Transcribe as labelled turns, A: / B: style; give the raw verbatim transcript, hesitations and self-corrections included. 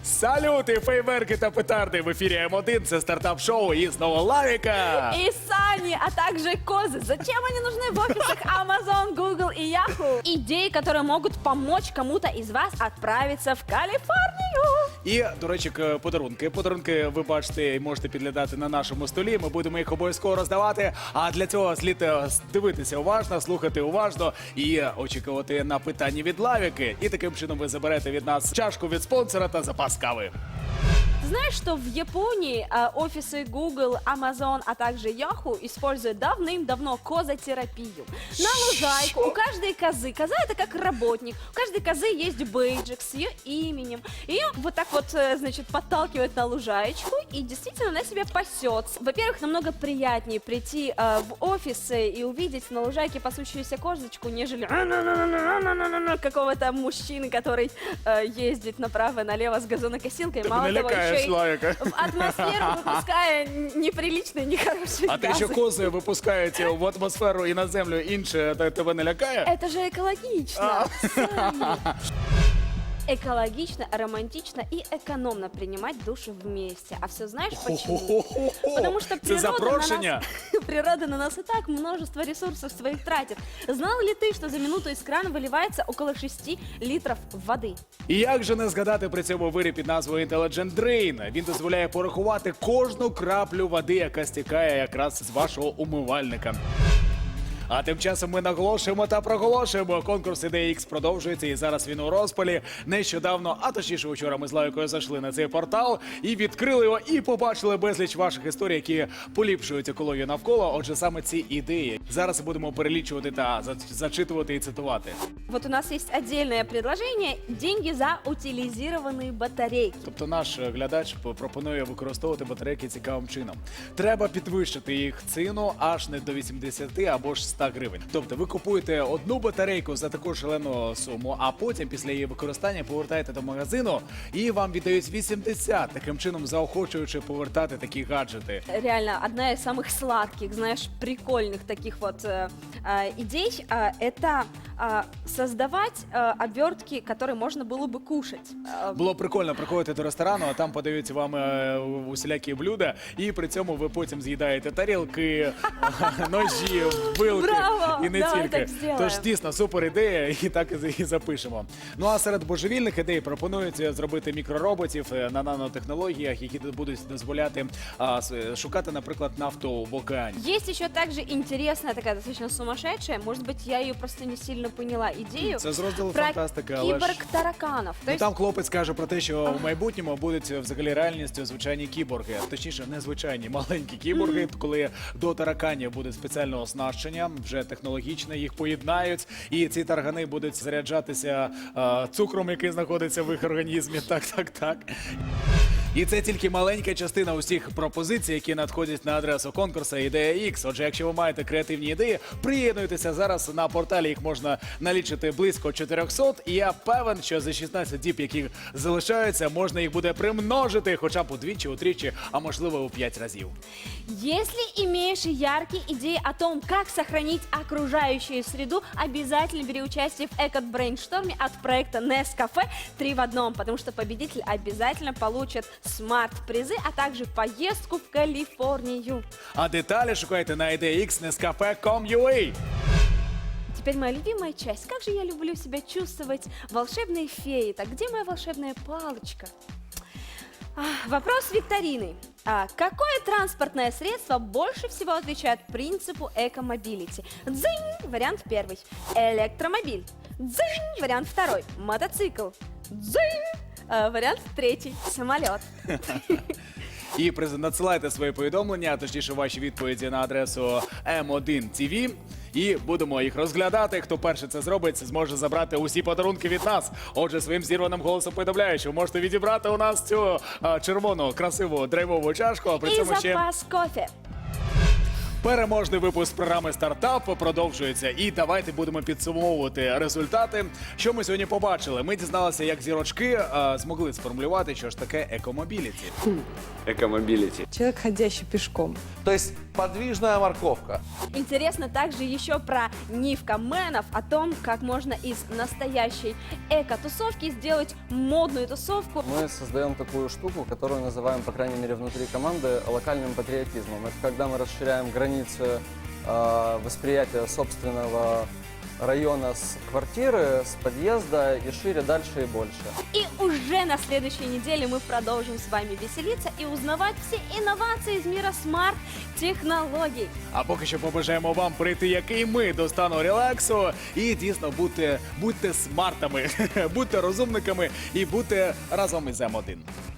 A: Салюти, фейверки та петарди в ефірі М один. Це стартап-шоу і знову Лавіка.
B: И Сани, а также козы. Зачем они нужны в офисах Amazon, Google и Yahoo? Идеи, которые могут помочь кому-то из вас отправиться в Калифорнию.
A: І, до речі, к- подарунки. Подарунки ви бачите і можете підглядати на нашому столі. Ми будемо їх обов'язково роздавати. А для цього слід е, дивитися уважно, слухати уважно і очікувати на питання від Лавіки. І таким чином ви заберете від нас чашку від спонсора та запас кави.
B: Ты знаешь, что в Японии э, офисы Google, Amazon, а также Yahoo используют давным-давно козотерапию? На лужайку у каждой козы, коза это как работник, у каждой козы есть бейджик с ее именем. Ее вот так вот, э, значит, подталкивают на лужаечку, и действительно она себя пасет. Во-первых, намного приятнее прийти э, в офис и увидеть на лужайке пасущуюся козочку, нежели какого-то мужчины, который э, ездит направо-налево с газонокосилкой. Мало того, еще и
A: Лавіка.
B: в атмосферу выпуская неприличные, нехорошие
A: А те,
B: газы.
A: що кози випускають в атмосферу і на землю інше, та- тебе не лякає?
B: Это же экологично. Саня. Экологично, романтично и экономно принимать душу вместе. А все знаешь почему? Потому что
A: Це
B: природа на,
A: запрошення?
B: нас, природа на нас и так множество ресурсов своих тратит. Знал ли ты, что за минуту из крана выливается около шести литров воды?
A: І як же не згадати при цьому виріб під назвою Intelligent Drain? Він дозволяє порахувати кожну краплю води, яка стікає якраз з вашого умивальника. А тим часом ми наголошуємо та проголошуємо. Конкурс Ідея Ікс продовжується, і зараз він у розпалі. Нещодавно, а точніше вчора ми з Лавікою зайшли на цей портал і відкрили його, і побачили безліч ваших історій, які поліпшують екологію навколо. Отже, саме ці ідеї. Зараз будемо перелічувати та за- зачитувати і цитувати.
B: Вот у нас есть отдельное предложение – деньги за утилизированные батарейки.
A: Тобто наш е, глядач п- пропонує використовувати батарейки цікавим чином. Треба підвищити їх ціну аж не до вісімдесят або ж ста гривень. Тобто ви купуєте одну батарейку за таку шалену суму, а потім після її використання повертаєте до магазину і вам віддають вісімдесят, таким чином заохочуючи повертати такі гаджети.
B: Реально, одна из самых сладких, знаешь, прикольных таких вот э, э, идей э, это э, создавать э, обертки, которые можно было бы кушать. Э,
A: Було прикольно приходити до ресторану, а там подаються вам е, усілякі блюда, і при цьому ви потім з'їдаєте тарілки, ножі, вилки
B: Браво!
A: і не
B: Давай
A: тільки.
B: так зробимо.
A: Тож дійсно супер ідея, і так і запишемо. Ну а серед божевільних ідей пропонують зробити мікророботів е, на нанотехнологіях, які будуть дозволяти а, с- шукати, наприклад, нафту в океані.
B: Есть еще также интересная, такая достаточно сумасшедшая, может быть, я ее просто не сильно поняла, идею
A: Це з розділу
B: про
A: фантастики, але ж...
B: киборг-тараканов. То
A: Ну,
B: есть
A: там хлопець каже про те, що в майбутньому будуть взагалі реальністю звичайні кіборги, точніше, не звичайні, маленькі кіборги, коли до тараканів буде спеціальне оснащення, вже технологічне, їх поєднають, і ці таргани будуть заряджатися е, цукром, який знаходиться в їх організмі. Так, так, так. І це тільки маленька частина усіх пропозицій, які надходять на адресу конкурсу Ідея Ікс. Отже, якщо ви маєте креативні ідеї, приєднуйтеся зараз. На порталі їх можна налічити близько чотириста. І я певен, що за шістнадцять діб, які залишаються, можна їх буде примножити хоча б удвічі, утричі, а можливо у п'ять разів.
B: если имеешь яркие идеи о том, как сохранить окружающую среду, обязательно бери участие в эко-брейншторме от проекта Nescafe три в одном, потому что победитель обязательно получит смарт-призы, а также поездку в Калифорнию.
A: А деталі шукайте на ідея ікс нескафе крапка ком крапка ю а.
B: Теперь моя любимая часть. Как же я люблю себя чувствовать волшебной феей. Так где моя волшебная палочка? А, Вопрос викторины. А какое транспортное средство больше всего отвечает принципу эко-мобилити? Дзынь, вариант первый. Электромобиль. Дзынь, вариант второй. Мотоцикл. Дзынь, а, вариант третий. Самолет.
A: І приз- надсилайте свої повідомлення, а точніше ваші відповіді на адресу ем один ті ві. І будемо їх розглядати. Хто перший це зробить, зможе забрати усі подарунки від нас. Отже, своїм зірваним голосом повідомляю, що ви можете відібрати у нас цю а, червону, красиву драйвову чашку, а при
B: И
A: цьому ще
B: запас кофе.
A: переможний випуск програми «Стартап» продовжується. І давайте будемо підсумовувати результати. Що ми сьогодні побачили? Ми дізналися, як зірочки а, змогли сформулювати, що ж таке екомобіліті.
C: Экомобилити.
D: Человек, ходящий пешком.
C: То есть подвижная морковка.
B: Интересно также еще про нивкоменов, о том, как можно из настоящей эко-тусовки сделать модную тусовку.
D: Мы создаем такую штуку, которую называем, по крайней мере, внутри команды, локальным патриотизмом. Это когда мы расширяем границы э, восприятия собственного района с квартиры, с подъезда и шире, дальше и больше.
B: И уже на следующей неделе мы продолжим с вами веселиться и узнавать все инновации из мира смарт-технологий.
A: А поки що побажаємо вам прийти, як і ми, до стану релаксу. І дійсно будьте, будьте смартами, будьте розумниками і будьте разом із М один.